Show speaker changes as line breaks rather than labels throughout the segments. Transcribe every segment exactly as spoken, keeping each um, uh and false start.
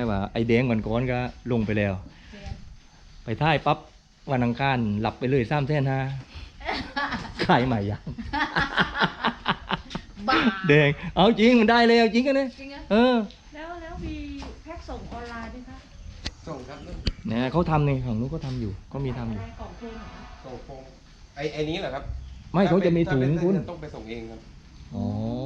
ว่าไอแดงวันก่อนก็ลงไปแล้วไปท้ายปั๊บวันอังคารหลับไปเลยสามแสนห้าขายใหม่ยังแดงเอาจริงมันได้เลยเอาจริงกันเลยเออ
แล้วแล้วมีแพ็คส่งออนไลน์ไหมคะ
ส่งครับ
เนี่ยเขาทำในของนู้นเขาทำอยู่เขามีทำอยู่
กล่องโฟม
ส่งโฟมไอไอนี้เหรอครับ
ไม่เขาจะมีถุงคุณ
ต้องไปส่งเองครับ
อ๋อ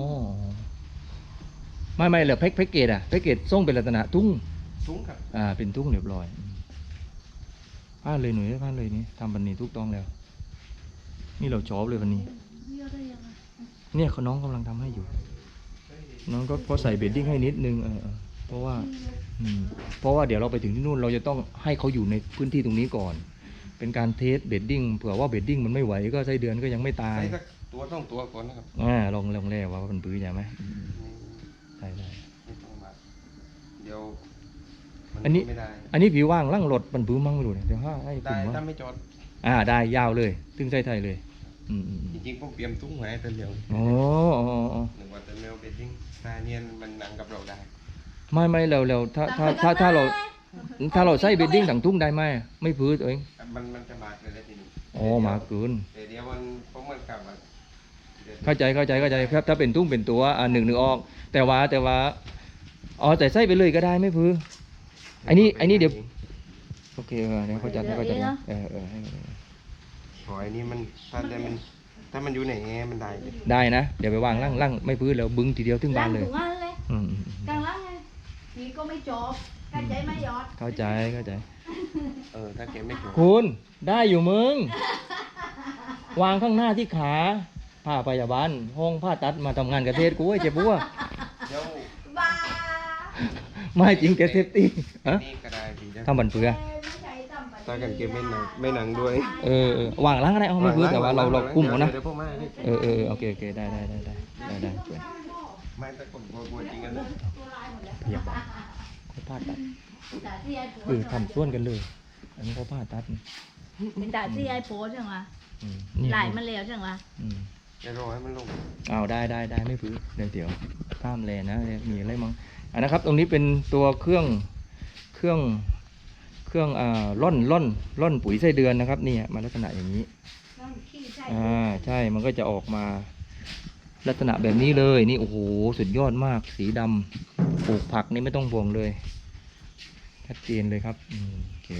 ไม่ไม่เหรอแพ็คแพ็คเกจอะแพ็คเกจส่งเป็นลักษณะทุ่ง
ทุ่งครับ
อ่าเป็นทุ่งเรียบร้อยพลาดเลยหน่อยพลาดเลยนี่ทำบันนี้ทุกต้องแล้วนี่เราชอบเลยวันนี้เนี่ยเขาน้องกำลังทำให้อยู่น้องก็พอใส่เบดดิ้งให้นิดนึงเออเพราะว่าอืมเพราะว่าเดี๋ยวเราไปถึงที่นู่นเราจะต้องให้เขาอยู่ในพื้นที่ตรงนี้ก่อนเป็นการเทสเบดดิ้งเผื่อว่าเบดดิ้งมันไม่ไหวก็ไส้เดือนก็ยังไม่ตาย
ตัวต้องตัวก่อนนะครับ
อ่าลองลองแล้วว่ามันปื้อใช่ไหมใช่ได้
เดี๋ยว
อันนี้อันนี้ผิวว่างลั่งรถมันปื้อมั่งไม่รู้เนี่ยเดี๋ยวห้าให้
ได้ถ้าไม่จอด
อ่าได้ยาวเลยตึงไส้ไทยเลย
จริงๆผมเตรียมตุ้งไว้แต่เดียว
โอ้
หนึ่งวันแต่เมลเบดดิ้งตาเนียนมันนั่งกับเราได้
ไม่ไม่เร็วเร็วถ้าถ้าถ้าถ้าเราถ้าเราใส่เบดดิ้งถังทุ่งได้ไหมไม่พื้นตัวเอง
มันมันจะมาเลยทีนี้
อ๋อมาเกิน
เดี๋ยวมันเพราะมันกลับมา
เข้าใจเข้าใจเข้าใจครับถ้าเป็นทุ่งเป็นตัวอ่าหนึ่งหนึ่งออกแต่ว่าแต่ว่าอ๋อแต่ใส่ไปเลยก็ได้ไม่พื้นไอ้นี่ไอ้นี่เดี๋ยวโอเคเออเดี๋ยวเขาจัดให้เขาจัดเออเออให้
ขอไอ้นี่มันถ้าได้มันถ้ามันอยู่ไหนมันได้
ได้นะเดี๋ยวไปวางล่างล่างไม่พื้นแล้วบึ้งทีเดียวถึงบ้านเลย
อืมกลางล่างไงนี่ก็ไม่จบเข้าใจไหมยอด
เข้าใจเข้าใจ
เออถ้าเก็บไม่จบ
คุณได้อยู่มึงวางข้างหน้าที่ขาผ้าพยาบาลห้องผ้าตัดมาทำงานกระเทศกูไอ้เจ็บบัว
บ้า
ไม่จริงแกเซฟตี้ฮะทำบันเฟือ
ตากันเก็บไม่หนังไม่หนังด้วย
เออวางล่างอะไรเอาไม่พื้นแต่ว่าเราเรากุ้มเขานะเออเออโอเคโอเคได้ได้ได้ได้ได้ได้
ไม่แต่ผมกลัวจริงกันเลย
พยาบาลเขาผ้าตัดเออทำส่วนกันเลยอันนี้เขาผ้าตัด
เป็นตาที่ไอโพสใช่ไหมไหลมันเร็วใช่ไหม
จะรอให้มันลง
เอาได้ได้ได้ไม่พื้นเดี๋ยวเดี๋ยวข้ามแลนะมีอะไรมั้งอันนะครับตรงนี้เป็นตัวเครื่องเครื่องเครื่องอ่าล่อนล่อนล่อนปุ๋ยไส้เดือนนะครับนี่มาลักษณะอย่างนี้อ่าใช่มันก็จะออกมาลักษณะแบบนี้เลยนี่โอ้โหสุดยอดมากสีดำปลูกผักนี่ไม่ต้องห่วงเลยชัดเจนเลยครับอืมโอเค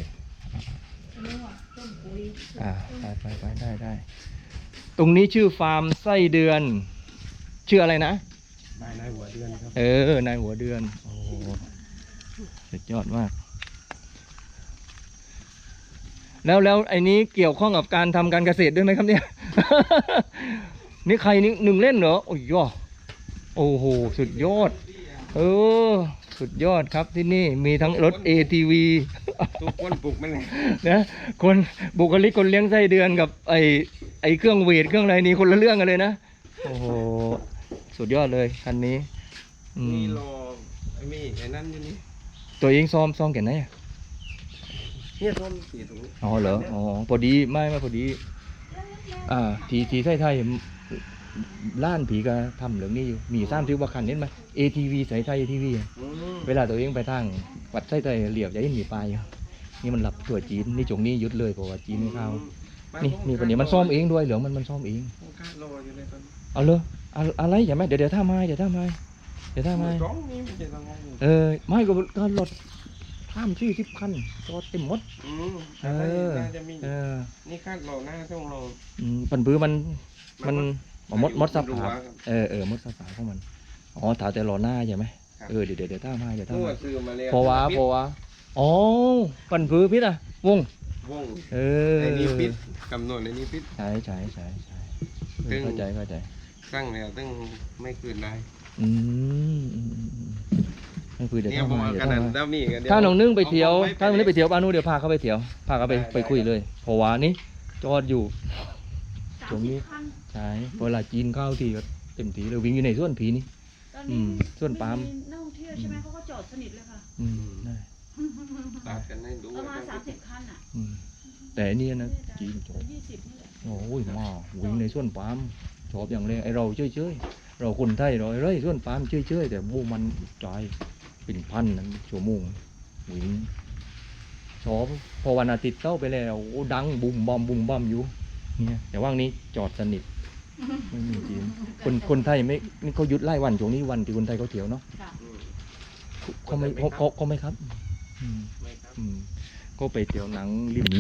อ่าไปไปไปได้ได้ตรงนี้ชื่อฟาร์มไส้เดือนชื่ออะไรนะ
นายนายหัวเดือนครับ
เออนายหัวเดือนโอ้สุดยอดมากแล้วแล้วไอ้นี้เกี่ยวข้องกับการทำการเกษตรด้วยไหมครับเนี่ยนี่ใครนี่หนึ่งเล่นเหรอโอ้ยโอ้โหสุดยอดเออสุดยอดครับที่นี่มีทั้งรถ เอ ที วี
ทุกคนปลูกมันเลย
นะคนบุคลิกคนเลี้ยงไส้เดือนกับไอ้ไอ้เครื่องเวทเครื่องอะไรนี่คนละเรื่องกันเลยนะโอ้โหสุดยอดเลยคันนี้
มีรอไอ้มีไอ้นั่นอยู่นี่
ตัวเองซ้อมซ้อมแก่ไหนอ่ะ
เนี่ยซ้อมสีตรงนี้
อ๋อเหรออ๋อพอดีไม่ไม่พอดีอ่าทีทีไทยไทยล้านผีก็ทำเรื่องนี้อยู่มีสร้างทิวบักขันเห็นไหม เอ ที วี สายไทย เอ ที วี เวลาตัวเองไปทางวัดไส้ไทยเหลียบจะให้หนีไปนี่มันหลับตัวจีนนี่จงนี้ยุดเลยเพราะว่าจีนไม่เข้านี่นี่คนนี้มันซ่อมเองด้วยเหรอมันมันซ่อมเองเอาเลยอะไรอย่าไหมเดี๋ยวเดี๋ยวท่าไม้เดี๋ยวท่าไม้เดี๋ยวท่าไม้เออไม่ก็ก็รถข้ามชื่อทิพคันจอดเต็มหมด
เออเออนี่คาดรอหน้าต้องรอ
ปันปื้อมันมันมดมดสับผาเออเออมดสับผาของมันอ๋อถาแต่รอหน้าใช่ไหมเออเดี๋ยวเดี๋ยวท่าไม้เดี๋ยวท่าไม้พอวะพอวะอ๋อปันปื้อพิษอะวง
วง
เออ
ในนี้พิษกำหนดในนี้พิษ
ใช่ใช่ใช่ใช่เข้าใจเข้าใจ
ตั้งแล้วตั้งไม่คืนได้
อืมไม่คุยเดี๋ยวถ้ามาเดี๋ยวถ้า
มา
ถ้าน้องนึ่งไปเที่ยวถ้าน้องนึ่งไปเที่ยวบ้านนู้นเดี๋ยวพาเขาไปเที่ยวพาเขาไปไปคุยเลยเพราะว่านี่จอดอยู่ตรงนี้ใช่เวลาจีนเข้าทีก็เต็มทีเลยวิ่งอยู่ในส่วนผีนี่ส่วนปาล์ม
นักท่องเที่ยวใช่ไหมเขาก็จอดสนิทเลยค่ะ
อืมได้
ตัดกันให้ดู
ประมาณสามสิบคันอ่ะ
แต่นี่นะจีนจอดโอ้ยมาวิ่งในส่วนปาล์มชอบอย่างไรไอเราเฉยเฉยเราคนไทยเราเร่ยส่วนปาล์มเฉยเฉยแต่บูมันใจเป็นพันนั้นชั่วโมงวิ่งชอบพอวันอาทิตย์เข้าไปแล้วโอ้ดังบุมบอมบุมบอมอยู่เนี่ยแต่ว่างนี้จอดสนิทไม่มีจีนคนคนไทยไม่นี่เขาหยุดไล่วันช่วงนี้วันที่คนไทยเขาเที่ยวเนาะ
ค่ะ
อืม
เขาไม่เขาเขาเขาไม่ครับอืม
ไม่ครับ
อืมก็ไปเที่ยวหนังริม